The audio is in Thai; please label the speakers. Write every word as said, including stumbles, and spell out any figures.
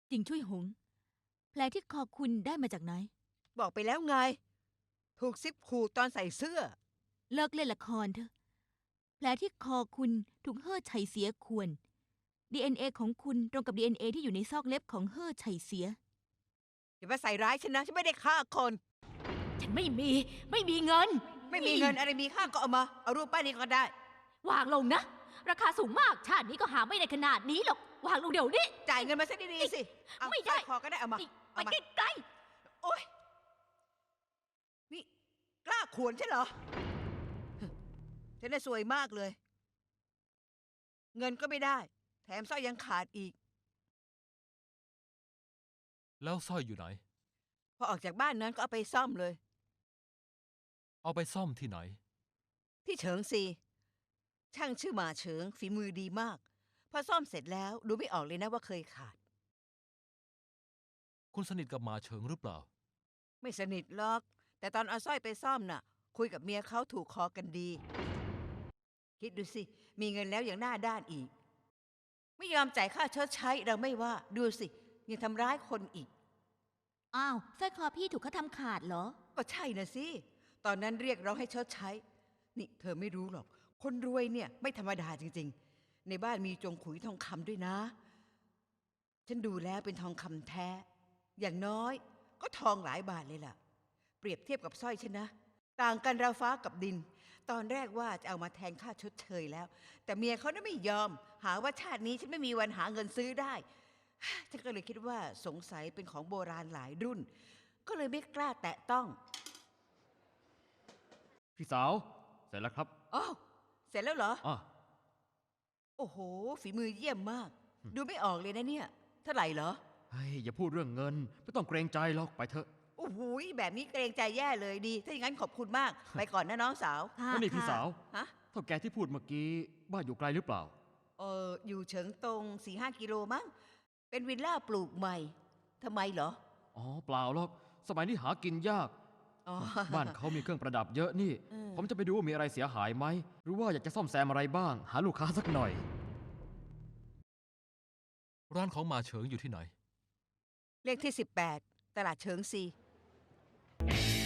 Speaker 1: จริงช่วยหง แผลที่คอคุณได้มาจากไหน
Speaker 2: บอกไปแล้วไง ถูกซิปขูดตอนใส่เสื้อ
Speaker 1: เลิกเล่นละครเถอะ แผลที่คอคุณถูกเฮ่อไฉเสียข่วน ดี เอ็น เอ ของคุณตรงกับ ดี เอ็น เอ ที่อยู่ในซอกเล็บของเฮ่อไฉเสีย
Speaker 2: อย่ามาใส่ร้ายฉันนะ ฉันไม่ได้ฆ่าคน
Speaker 3: ฉันไม่มี ไม่มีเงิน
Speaker 2: ไม่มีเงินอะไรมีค่าก็เอามา เอารูปป้ายนี้ก็ได้
Speaker 3: วางลงนะ ราคาสูงมาก ชาตินี้ก็หาไม่ได้ขนาดนี้หรอก วางลงเดี๋ยวนี้
Speaker 2: จ่ายเงินมาซะดีๆสิเอา
Speaker 3: ไม่
Speaker 2: ส
Speaker 3: ได้
Speaker 2: ร้อยคอก็ได้เอามา
Speaker 3: ไป
Speaker 2: เอามา
Speaker 3: ใกล้
Speaker 2: โอ๊ย นี่กล้าขวนใช่เหรอ ฉันน่ะสวยมากเลย เงินก็ไม่ได้ แถมสร้อยยังขาดอีก
Speaker 4: แล้วสร้อยอยู่ไหน
Speaker 2: พอออกจากบ้านนั้นก็เอาไปซ่อมเลย
Speaker 4: เอาไปซ่อมที่ไหน
Speaker 2: ที่เฉิงซี ช่างชื่อหมาเฉิงฝีมือดีมาก พอซ่อมเสร็จแล้วดูไม่ออกเลยนะว่าเคยขาด
Speaker 4: คุณสนิทกับหมาเฉิงหรือเปล่า
Speaker 2: ไม่สนิทหรอก แต่ตอนเอาสร้อยไปซ่อมน่ะ คุยกับเมียเขาถูกคอกันดี คิดดูสิ มีเงินแล้วยังหน้าด้านอีก ไม่ยอมจ่ายค่าชดใช้เราไม่ว่า ดูสิ ยังทำร้ายคนอีก
Speaker 1: อ้าวสร้อยคอพี่ถูกเขาทำขาดเหรอ
Speaker 2: ก็ใช่นะสิ ตอนนั้นเรียกร้องให้ชดใช้ นี่เธอไม่รู้หรอก คนรวยเนี่ยไม่ธรรมดาจริงๆ ในบ้านมีจงขุยทองคำด้วยนะ ฉันดูแล้วเป็นทองคำแท้ อย่างน้อยก็ทองหลายบาทเลยล่ะ เปรียบเทียบกับสร้อยฉันนะ ต่างกันราวฟ้ากับดิน ตอนแรกว่าจะเอามาแทนค่าชดเชยแล้ว แต่เมียเขาน่ะไม่ยอม หาว่าชาตินี้ฉันไม่มีวันหาเงินซื้อได้ ฉันก็เลยคิดว่าสงสัยเป็นของโบราณหลายรุ่น ก็เลยไม่กล้าแตะต้อง
Speaker 5: พี่สาว เสร็จแล้วครับ
Speaker 2: อ้าวเสร็จแล้วเหรอ
Speaker 5: อ่ะ
Speaker 2: โอ้โห ฝีมือเยี่ยมมาก ดูไม่ออกเลยนะเนี่ย เท่าไหร่เหรอ
Speaker 5: เฮ้ย อย่าพูดเรื่องเงิน ไม่ต้องเกรงใจหรอกไปเถอะ
Speaker 2: โอ้โห แบบนี้เกรงใจแย่เลยดี ถ้าอย่างนั้นขอบคุณมาก ไปก่อนนะน้องสาว
Speaker 1: ค่ะ
Speaker 5: แล้วนี่พี่
Speaker 1: ค่ะ
Speaker 5: สาว
Speaker 2: ฮะ
Speaker 5: เท่าแกที่พูดเมื่อกี้ บ้านอยู่ไกลหรือเปล่า
Speaker 2: เอออยู่เฉิงตงสี่ห้ากิโลมั้ง เป็นวิลล่าปลูกใหม่ ทำไมเหรอ
Speaker 5: อ๋อ เปล่าหรอก สมัยนี้หากินยาก
Speaker 2: อ๋อ
Speaker 5: บ้านเขามีเครื่องประดับเยอะนี่
Speaker 2: เออ
Speaker 5: ผมจะไปดูว่ามีอะไรเสียหายไหม หรือว่าอยากจะซ่อมแซมอะไรบ้าง หาลูกค้าสักหน่อย
Speaker 4: ร้านของหมาเฉิงอยู่ที่ไหน
Speaker 2: เลขที่สิบแปดตลาดเฉิงซี